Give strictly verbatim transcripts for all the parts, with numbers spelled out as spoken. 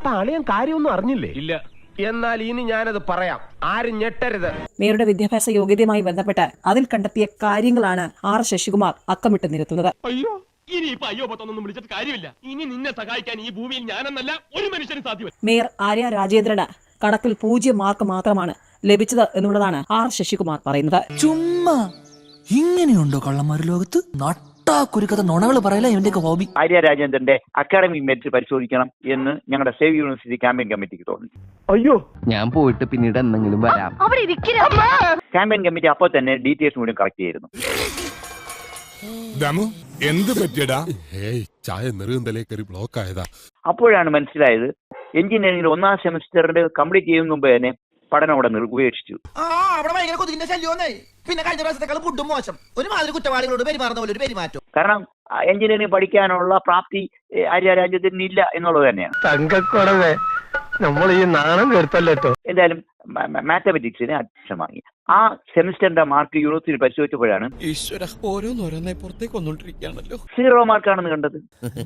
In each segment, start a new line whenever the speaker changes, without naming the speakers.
അപ്പൊ അളിയൻ കാര്യമൊന്നും അറിഞ്ഞില്ലേ? ഇല്ല. എന്നാൽ ഇനി ഞാനത് പറയാം, ആരും ഞെട്ടരുത്.
മേയറുടെ വിദ്യാഭ്യാസ യോഗ്യതയുമായി ബന്ധപ്പെട്ട് അതിൽ കണ്ടെത്തിയ കാര്യങ്ങളാണ് ആർ ശശികുമാർ അക്കമിട്ട് നിരത്തുന്നത്.
അയ്യോ, ഇനി ഇപ്പൊ അയ്യോ പത്തൊന്നും വിളിച്ചിട്ട് കാര്യമില്ല. ഇനി നിന്നെ സഹായിക്കാൻ ഈ ഭൂമിയിൽ ഞാനെന്നല്ല ഒരു മനുഷ്യനും സാധ്യമല്ല.
മേയർ ആര്യ രാജേന്ദ്രന് കണക്കിൽ പൂജ്യം മാർക്ക് മാത്രമാണ് ലഭിച്ചത് എന്നുള്ളതാണ് ആർ ശശികുമാർ പറയുന്നത്.
ചുമ്മാ ഇങ്ങനെയുണ്ടോ കള്ളന്മാർ ലോകത്ത്? കുരുക്കഥ നുണകൾ പറയല ഇവന്റെയൊക്കെ ഹോബി.
ആര്യ രാജേന്ദ്രന്റെ അക്കാഡമിക് മെറിറ്റ് പരിശോധിക്കണം എന്ന് ഞങ്ങളുടെ സേവ് യൂണിവേഴ്സിറ്റി ക്യാമ്പയിൻ കമ്മിറ്റിക്ക് തോന്നി.
അയ്യോ,
ഞാൻ പോയിട്ട് പിന്നീട് എന്തെങ്കിലും വരാം.
ക്യാമ്പയിൻ കമ്മിറ്റി അപ്പോൾ തന്നെ ഡീറ്റെയിൽസ് മുഴുവൻ കളക്ട് ചെയ്തിരുന്നു.
എന്ത് പറ്റിയടാ? ചായ നെറുകന്തലേ കയറി ബ്ലോക്ക് ആയതാ.
അപ്പോഴാണ് മനസ്സിലായത് എഞ്ചിനീയറിംഗിൽ ഒന്നാം സെമിസ്റ്ററിന്റെ കംപ്ലീറ്റ് ചെയ്യുന്ന മുമ്പ് തന്നെ പഠനം അവിടെ ഉപേക്ഷിച്ചു.
പിന്നെ കഴിഞ്ഞ പ്രാവശ്യത്തെക്കാൾ ഫുഡും മോശം, ഒരുമാതിരി കുറ്റവാളികളോട് പെരുമാറുന്ന പോലെ ഒരു പെരുമാറ്റം.
കാരണം എഞ്ചിനീയറിംഗ് പഠിക്കാനുള്ള പ്രാപ്തി ആര്യ രാജ്യത്തിന് ഇല്ല എന്നുള്ളത് തന്നെയാണ്.
തങ്കക്കുറവേ, നമ്മൾ ഈ നാണം കേട്ടല്ലോ.
എന്തായാലും മാത്തമെറ്റിക്സിന് അഡ്മിഷൻ വാങ്ങി. ആ സെമിസ്റ്ററിന്റെ മാർക്ക് യൂണിവേഴ്സിറ്റി പരിശോധിച്ചപ്പോഴാണ്
ഓരോന്നോരോന്നായി പുറത്തേക്ക് വന്നോണ്ടിരിക്കുകയാണല്ലോ
സീറോ മാർക്കാണെന്ന് കണ്ടത്.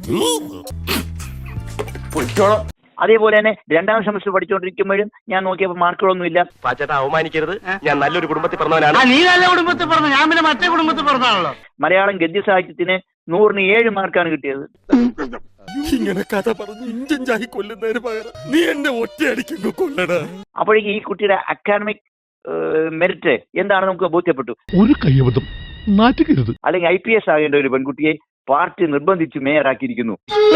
അതേപോലെ തന്നെ രണ്ടാം സെമസ്റ്റർ പഠിച്ചുകൊണ്ടിരിക്കുമ്പോഴും ഞാൻ നോക്കിയപ്പോൾ മാർക്കുകളൊന്നും ഇല്ല.
പാച്ചേട്ടാ, അവമാനിക്കരുത്. ഞാൻ നല്ലൊരു കുടുംബത്തിൽ പറഞ്ഞവനാണ്.
നീ നല്ല കുടുംബത്തിൽ പറഞ്ഞു, ഞാൻ പിന്നെ മറ്റേ കുടുംബത്തിൽ പറഞ്ഞാണല്ലോ.
മലയാളം ഗദ്യ സാഹിത്യത്തിന് നൂറിന് ഏഴ് മാർക്കാണ് കിട്ടിയത്.
ഇങ്ങനെ കഥ പറഞ്ഞ് ഇഞ്ചായി കൊല്ലുന്നതിന് പകരം നീ എന്നെ ഒറ്റയടിക്കുന്നു കൊല്ലടാ.
അപ്പോഴേക്കും ഈ കുട്ടിയുടെ അക്കാഡമിക് മെറിറ്റ് എന്താണെന്ന് നമുക്ക് ബോധ്യപ്പെട്ടു.
ഒരു കയ്യബദ്ധം നാറ്റുകരുത്.
അല്ലെങ്കിൽ ഐ പി എസ് ആകേണ്ട ഒരു പെൺകുട്ടിയെ പാർട്ടി നിർബന്ധിച്ച് മേയറാക്കിയിരിക്കുന്നു.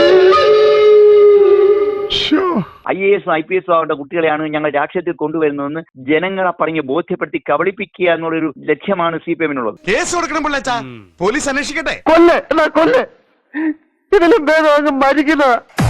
ഐ എ എസും ഐ പി എസും ആവേണ്ട കുട്ടികളെയാണ് ഞങ്ങൾ രാഷ്ട്രീയത്തിൽ കൊണ്ടുവരുന്നതെന്ന് ജനങ്ങളെ പറഞ്ഞ് ബോധ്യപ്പെടുത്തി കബളിപ്പിക്കുക എന്നുള്ളൊരു ലക്ഷ്യമാണ് സി പി എമ്മിനുള്ളത്.
കേസ് കൊടുക്കണം പിള്ളേച്ചാ, പോലീസ് അന്വേഷിക്കട്ടെ.
കൊല്ല് കൊല്ല്, ഇതിലും ഭേദം മരിക്കുന്ന